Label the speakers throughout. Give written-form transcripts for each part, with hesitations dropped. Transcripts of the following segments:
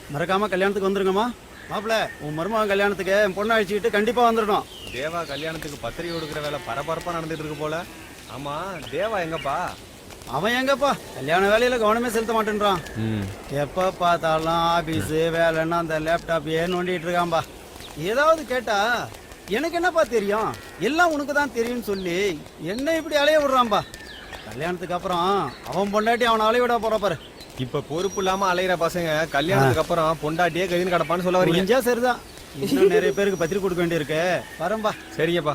Speaker 1: மறக்காம கல்யாணத்துக்கு வந்துருங்கம்மா. மாப்பிள்ள, உன் மருமகன் கல்யாணத்துக்கு என் பொண்ணை அழிச்சுக்கிட்டு கண்டிப்பா வந்துடணும்.
Speaker 2: தேவா கல்யாணத்துக்கு பத்திரிகை கொடுக்குற வேலை பரபரப்பா நடந்துட்டு இருக்கு போல. ஆமா, தேவா எங்கப்பா?
Speaker 1: அவன் எங்கப்பா கல்யாண வேலையில கவனமே செலுத்த மாட்டேன்றான். எப்ப பார்த்தாலும் ஆபீஸ் வேலைன்னா அந்த லேப்டாப் ஏன் நோண்டிட்டு இருக்கான்பா. ஏதாவது கேட்டா எனக்கு என்னப்பா தெரியும், எல்லாம் உனக்கு தான் தெரியும்னு சொல்லி என்ன இப்படி அலைய விடுறான்பா. கல்யாணத்துக்கு அப்புறம் அவன் பொண்டாட்டி அவனை அலைய விட போற பாரு.
Speaker 2: இப்ப பொறுப்பு இல்லாம அலையிற பசங்க கல்யாணத்துக்கு அப்புறம் பொண்டாட்டியே கதின்னு கிடப்பான்னு சொல்ல வரீங்க.
Speaker 1: புரிஞ்சா சரிதான், இன்னும் நிறைய பேருக்கு பத்திரிக்கை கொடுக்க வேண்டியிருக்கு. வரம்பா.
Speaker 2: சரிங்கப்பா.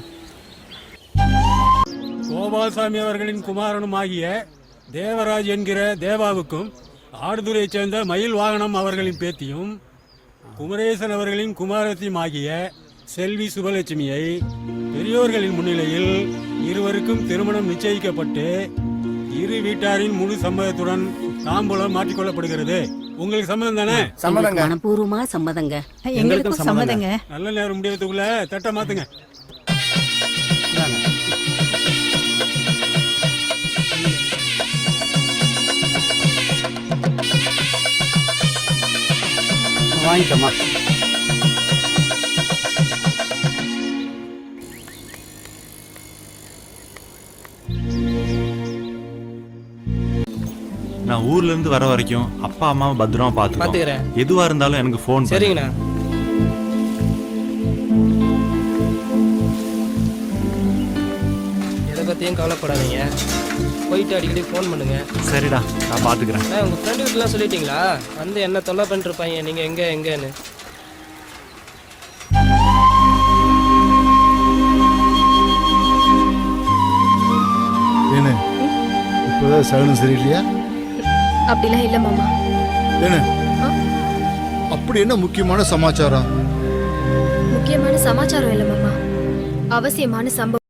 Speaker 3: கோபால்சாமி அவர்களின் குமாரனும் ஆகிய தேவராஜ் என்கிற தேவாவுக்கும் ஆடுதுறையைச் சேர்ந்த மயில் வாகனம் அவர்களின் பேத்தியும் குமரேசன் அவர்களின் குமாரத்தியும் ஆகிய செல்வி சுபலட்சுமியை பெரியோர்களின் முன்னிலையில் இருவருக்கும் திருமணம் நிச்சயிக்கப்பட்டு இரு வீட்டாரின் முழு சம்மதத்துடன் தாம்பூலம் மாற்றிக்கொள்ளப்படுகிறது. உங்களுக்கு சம்மதம் தானே?
Speaker 4: சம்மதங்க. மனப்பூர்வமா சம்மதங்க.
Speaker 1: எங்களுக்கும் சம்மதங்க.
Speaker 3: நல்ல நேரம் முடியறதுக்குள்ள தட்டை மாத்துங்க.
Speaker 1: வாங்கிக்கம்மா.
Speaker 5: நான் ஊர்ல இருந்து வர வரைக்கும் அப்பா அம்மாவை பத்திரமா பாத்துக்கிறேன். எதுவா இருந்தாலும் எனக்கு போன்.
Speaker 6: சரிங்கண்ணா. எதை பத்தியும் கவலைப்படாதீங்க, போயிட்டு அடிக்கடி ஃபோன் பண்ணுங்க.
Speaker 5: சரிடா, நான் பாத்துக்கிறேன்.
Speaker 6: உங்க ஃப்ரெண்டு கிட்டலாம் சொல்லிட்டீங்களா வந்து என்ன தொல்லை பண்ணிட்டு இருப்பாங்க நீங்க எங்கன்னு?
Speaker 7: ஏன்னு இப்போதான் சகனம் சரியில்லையா?
Speaker 8: அப்படிலாம் இல்ல மாமா.
Speaker 7: ஏன்னு அப்படி என்ன முக்கியமான சமாச்சாரம்?
Speaker 8: முக்கியமான சமாச்சாரம் இல்ல மாமா, அவசியமான சம்பவம்.